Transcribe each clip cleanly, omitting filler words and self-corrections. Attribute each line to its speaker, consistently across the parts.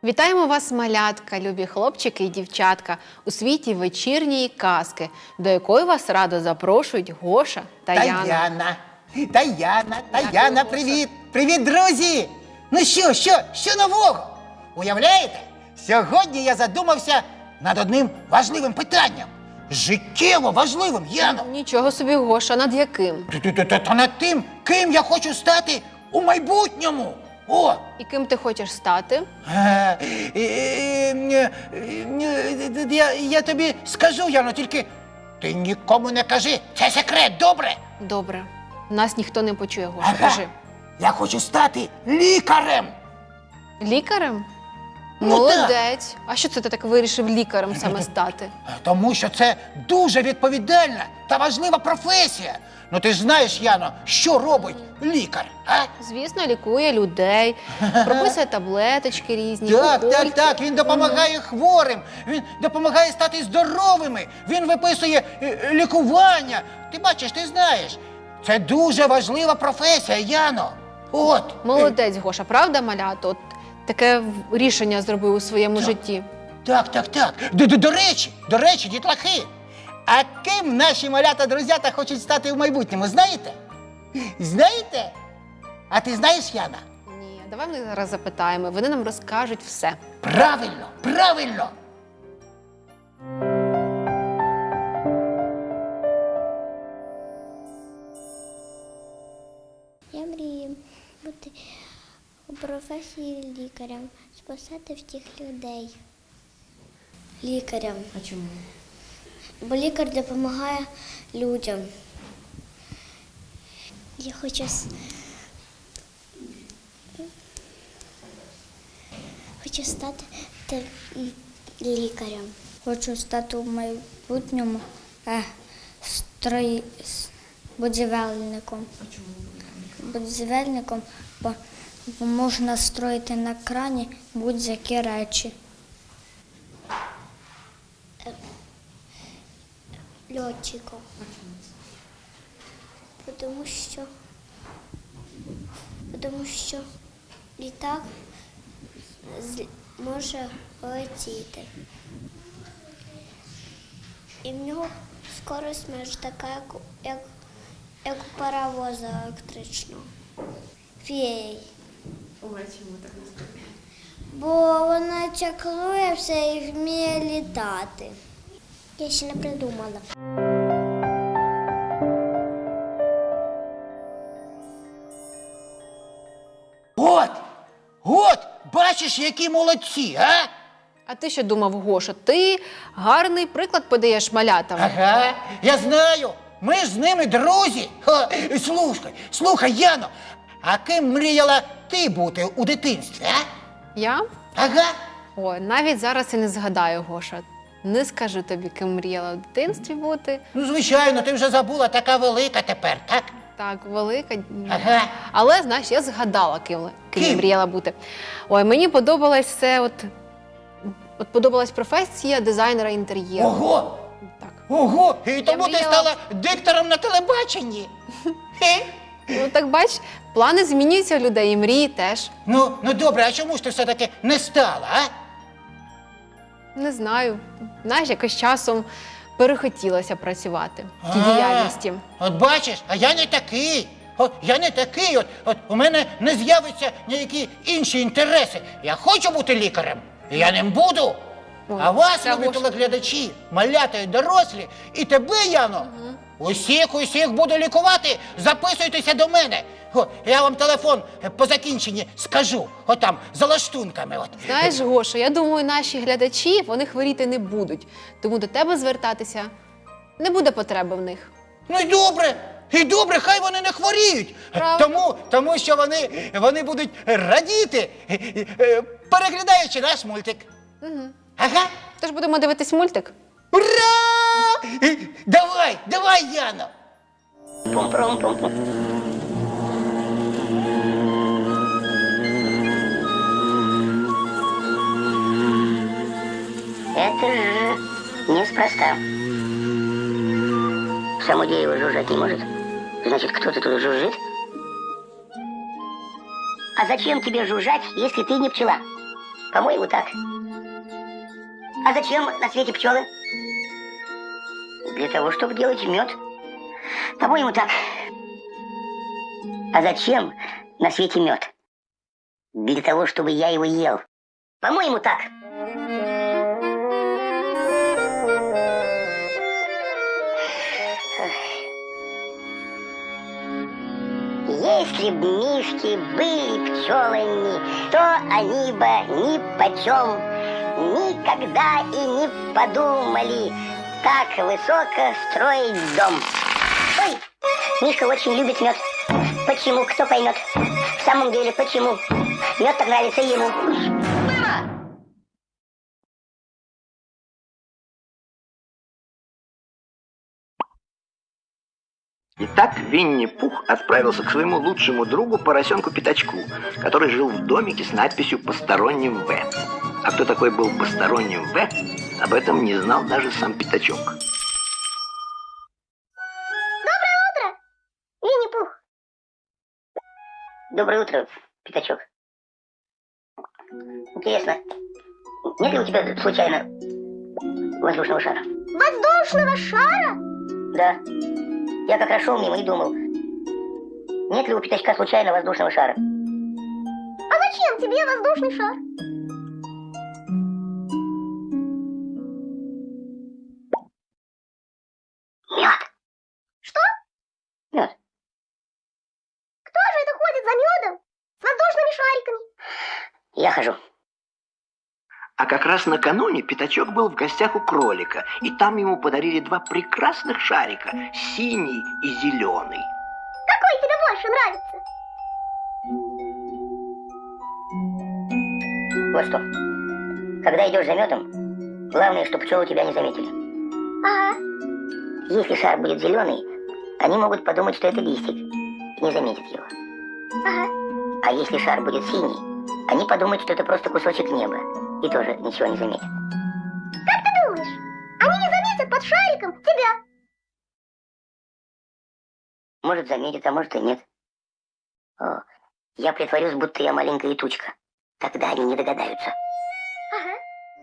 Speaker 1: Вітаємо вас, малятка, любі хлопчики і дівчатка, у світі вечірньої казки, до якої вас радо запрошують Гоша та Яна.
Speaker 2: Таяна, привіт! Привіт, друзі! Ну що нового? Уявляєте? Сьогодні я задумався над одним важливим питанням. Життєво важливим, Яно!
Speaker 1: Нічого собі, Гоша, над яким?
Speaker 2: Та над тим, ким я хочу стати у майбутньому. О!
Speaker 1: І ким ти хочеш стати?
Speaker 2: Я тобі скажу, Яно, тільки ти нікому не кажи. Це секрет, добре?
Speaker 1: Добре. Нас ніхто не почує, Гоша,
Speaker 2: Ага.
Speaker 1: кажи.
Speaker 2: Я хочу стати лікарем.
Speaker 1: Лікарем?
Speaker 2: Ну,
Speaker 1: Молодець. А що це ти так вирішив лікарем саме стати?
Speaker 2: Тому що це дуже відповідальна та важлива професія. Ну ти ж знаєш, Яно, що робить лікар, а?
Speaker 1: Звісно, лікує людей, прописує таблеточки різні, укольки.
Speaker 2: Так, він допомагає хворим, він допомагає стати здоровими, він виписує лікування. Ти бачиш, ти знаєш, це дуже важлива професія, Яно. От.
Speaker 1: Молодець, Гоша, правда, малято? От таке рішення зробив у своєму житті.
Speaker 2: Так. До речі, дітлахи, а ким наші малята-друзята хочуть стати в майбутньому, знаєте? Знаєте? А ти знаєш, Яна?
Speaker 1: Ні, давай ми зараз запитаємо, вони нам розкажуть все.
Speaker 2: Правильно!
Speaker 3: Я мрію бути у професії лікарем, спасати всіх людей. Лікарем.
Speaker 1: А чому?
Speaker 3: Бо лікар допомагає людям. Я хочу стати лікарем.
Speaker 4: Хочу стати в майбутньому будівельником. А чому будівельником? Бо можна строїти на крані будь-які речі.
Speaker 3: Льотчиком. Тому що літак може летіти. І в нього скорость майже така, як у паровоза електричного. Феєй.
Speaker 1: Ой, чому так не скажеш?
Speaker 3: Бо вона чаклує все і вміє літати. Я ще не придумала.
Speaker 2: От, бачиш, які молодці, а?
Speaker 1: А ти що думав, Гоша? Ти гарний приклад подаєш малятам.
Speaker 2: Ага, я знаю, ми ж з ними друзі. Слухай, Яно, а ким мріяла ти бути у дитинстві, а?
Speaker 1: Я?
Speaker 2: Ага.
Speaker 1: Ой, навіть зараз і не згадаю, Гоша. Не скажу тобі, ким мріяла в дитинстві бути.
Speaker 2: Ну, звичайно, ти вже забула, така велика тепер, так?
Speaker 1: Так, велика.
Speaker 2: Ага.
Speaker 1: Але, знаєш, я згадала, ким я
Speaker 2: Ким?
Speaker 1: мріяла бути. Ой, мені подобалось все, от подобалась професія дизайнера інтер'єру.
Speaker 2: Ого, і тому ти
Speaker 1: мріяла-
Speaker 2: стала диктором на телебаченні. Хе.
Speaker 1: Ну, так бач, плани змінюються у людей, і мрії теж.
Speaker 2: Ну, добре, а чому ж ти все-таки не стала, а?
Speaker 1: Не знаю. Знаєш, якось часом перехотілося працювати в тій
Speaker 2: А,
Speaker 1: діяльності.
Speaker 2: От бачиш, а я не такий. Я не такий, от у мене не з'являться ніякі інші інтереси. Я хочу бути лікарем, і я ним буду.
Speaker 1: Ой,
Speaker 2: А вас,
Speaker 1: це
Speaker 2: любі
Speaker 1: Гоша.
Speaker 2: телеглядачі, малята і дорослі, і тебе, Яно, усіх буду лікувати, записуйтеся до мене. Я вам телефон по закінченні скажу, там, за лаштунками.
Speaker 1: Знаєш, Гоша, я думаю, наші глядачі, вони хворіти не будуть. Тому до тебе звертатися не буде потреби в них.
Speaker 2: Ну і добре, хай вони не хворіють.
Speaker 1: Правильно.
Speaker 2: Тому що вони будуть радіти, переглядаючи наш мультик.
Speaker 1: Угу.
Speaker 2: Ага.
Speaker 1: Тож будемо дивитись мультик.
Speaker 2: Ура! Давай, Яно.
Speaker 5: Это же неспроста. Само дерево жужжать не может. Значит, кто-то тут жужжит. А зачем тебе жужжать, если ты не пчела? По-моему, так. А зачем на свете пчелы? Для того, чтобы делать мед. По-моему, так. А зачем на свете мед? Для того, чтобы я его ел. По-моему, так. Если б мишки были пчелами, то они бы ни почем никогда и не подумали так высоко строить дом. Ой, Мишка очень любит мед. Почему? Кто поймет? В самом деле, почему? Мед так нравится ему. Мама!
Speaker 6: Итак, Винни-Пух отправился к своему лучшему другу поросенку Пятачку, который жил в домике с надписью «Посторонним В». А кто такой был посторонним В, об этом не знал даже сам Пятачок.
Speaker 5: Винни-Пух. Доброе утро, Пятачок. Интересно, нет ли у тебя случайно воздушного шара?
Speaker 3: Воздушного шара?
Speaker 5: Да. Я как раз шел мимо и думал, нет ли у Пятачка случайно воздушного шара?
Speaker 3: А зачем тебе воздушный шар?
Speaker 5: Мед.
Speaker 3: Что?
Speaker 5: Мед.
Speaker 3: Кто же это ходит за медом с воздушными шариками?
Speaker 5: Я хожу.
Speaker 6: А как раз накануне Пятачок был в гостях у кролика, и там ему подарили два прекрасных шарика, синий и зеленый.
Speaker 3: Какой тебе больше нравится?
Speaker 5: Вот что. Когда идешь за медом, главное, чтобы пчелы тебя не заметили.
Speaker 3: Ага.
Speaker 5: Если шар будет зеленый, они могут подумать, что это листик, и не заметят его.
Speaker 3: Ага.
Speaker 5: А если шар будет синий, они подумают, что это просто кусочек неба, и тоже ничего не заметят.
Speaker 3: Как ты думаешь, они не заметят под шариком тебя?
Speaker 5: Может, заметят, а может и нет. О, я притворюсь, будто я маленькая тучка. Тогда они не догадаются.
Speaker 3: Ага.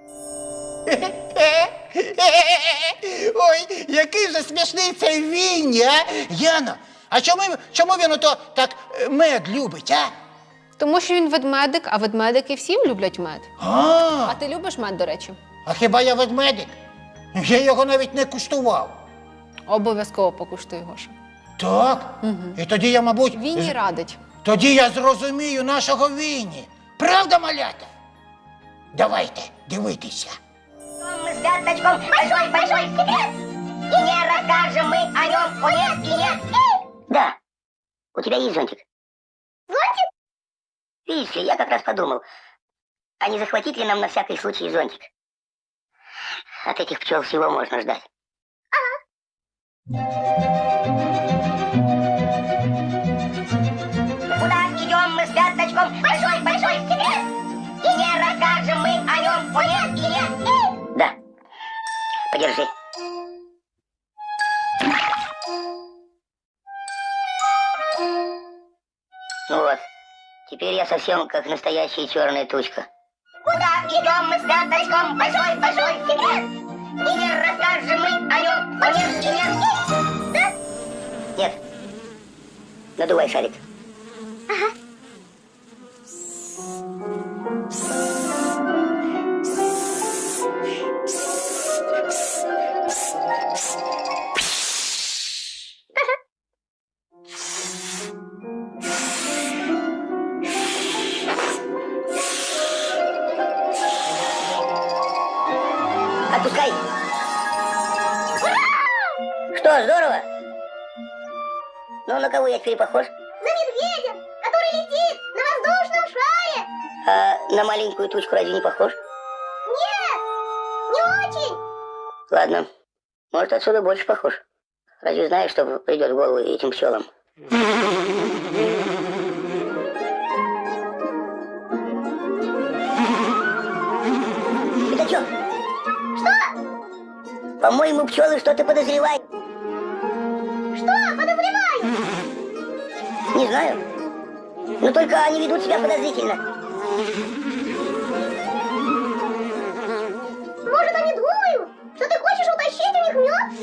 Speaker 2: Ой, який же смішний цей Вінні, а? Яно, а чому він ото так мед любить, а?
Speaker 1: Тому що він ведмедик, а ведмедики всім люблять мед. А
Speaker 2: А
Speaker 1: ти любиш мед, до речі?
Speaker 2: хіба я ведмедик? Я його навіть не куштував.
Speaker 1: Обов'язково покуштуй, Гоша.
Speaker 2: Так? І тоді я, мабуть,
Speaker 1: Вінні радить.
Speaker 2: тоді я зрозумію нашого Вінні. Правда, малята? Давайте дивитися.
Speaker 5: Мы с Пятачком большой секрет, и не расскажем мы о нем, о нет и нет. Да, у тебя есть зонтик?
Speaker 3: Зонтик?
Speaker 5: Видишь ли, я как раз подумал, а не захватить ли нам на всякий случай зонтик? От этих пчел всего можно ждать. Куда идем мы с Пятачком? Большой секрет! И не расскажем мы о нем, о нет и нет. Да, подержи. Ну вот, теперь я совсем как настоящая черная тучка. Куда идем мы с Пятачком? Большой секрет! И не расскажем мы о нем, о нет и нет. Да? Нет. Надувай шарик. Отпускай. Что, здорово? Ну, на кого я теперь похож?
Speaker 3: На медведя, который летит на воздушном шаре.
Speaker 5: А на маленькую тучку разве не похож?
Speaker 3: Нет, не очень.
Speaker 5: Ладно, может, отсюда больше похож. Разве знаешь, что придет в голову этим пчелам? Пятачок! Что? По-моему, пчелы что-то подозревают.
Speaker 3: Что подозреваю?
Speaker 5: Не знаю. Но только они ведут себя подозрительно. есть у них мед?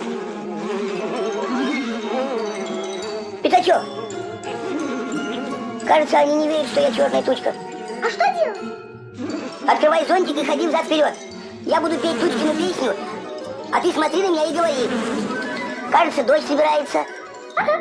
Speaker 5: Пятачок, кажется, они не верят, что я черная тучка. А что делать? Открывай зонтик и ходи взад-вперед. Я буду петь Тучкину песню, а ты смотри на меня и говори. Кажется, дождь собирается. Ага.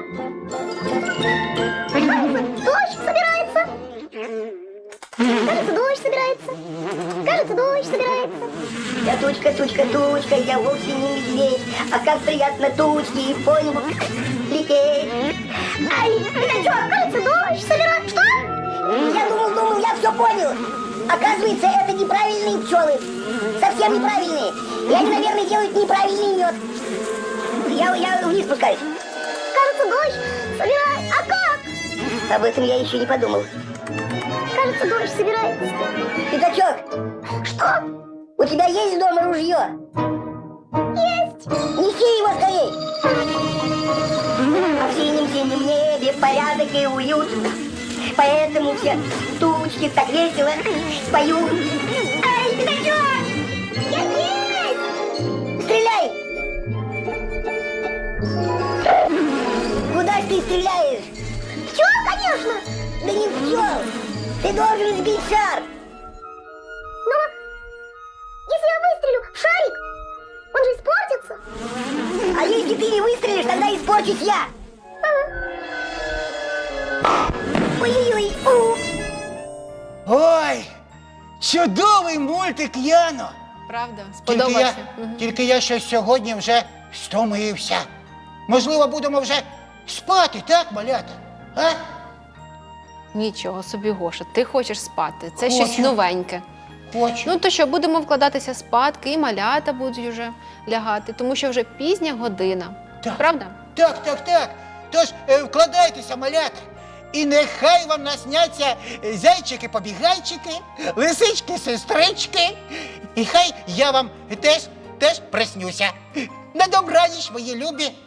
Speaker 5: Дождь собирается. Кажется, дождь собирается. Кажется, дождь собирается. Я тучка, тучка, тучка, я вовсе не медведь. А как приятно тучки по небу лететь. Ай, пятачок, кажется, дождь собирается. Что? Я думал, я все понял. Оказывается, это неправильные пчелы. Совсем неправильные. И они, наверное, делают неправильный мед. Я вниз спускаюсь. Кажется, дождь собирается. А как? Об этом я еще не подумал. Кажется, дождь собирается. Пятачок. Что? У тебя есть дома ружье? Есть. Неси его скорей. А в синем-синем небе порядок и уют. Поэтому все тучки так весело поют. Ай, пятачок! Я здесь! Стреляй! Куда ж ты стреляешь? В пчел, конечно! Да не в пчел! Ты должен сбить шар! Но если я выстрелю в шарик, он же испортится! А если ты не выстрелишь, тогда испорчусь я! Ой-ой-ой!
Speaker 2: Ой, чудовий мультик, Яно!
Speaker 1: Правда?
Speaker 2: Тільки я,
Speaker 1: Сподобався? Мгм.
Speaker 2: тільки я щось сьогодні вже стомився. Можливо, будемо вже спати, так, малята? А?
Speaker 1: Нічого собі, Гоша, ти хочеш спати. Це щось
Speaker 2: Хочу.
Speaker 1: новеньке.
Speaker 2: Хочу.
Speaker 1: Ну то що, будемо вкладатися спадки, і малята будуть вже лягати, тому що вже пізня година.
Speaker 2: Так.
Speaker 1: Правда?
Speaker 2: Так. Тож вкладайтеся, малята. І нехай вам насняться зайчики-побігайчики, лисички-сестрички. І хай я вам теж приснюся. На добраніч, мої любі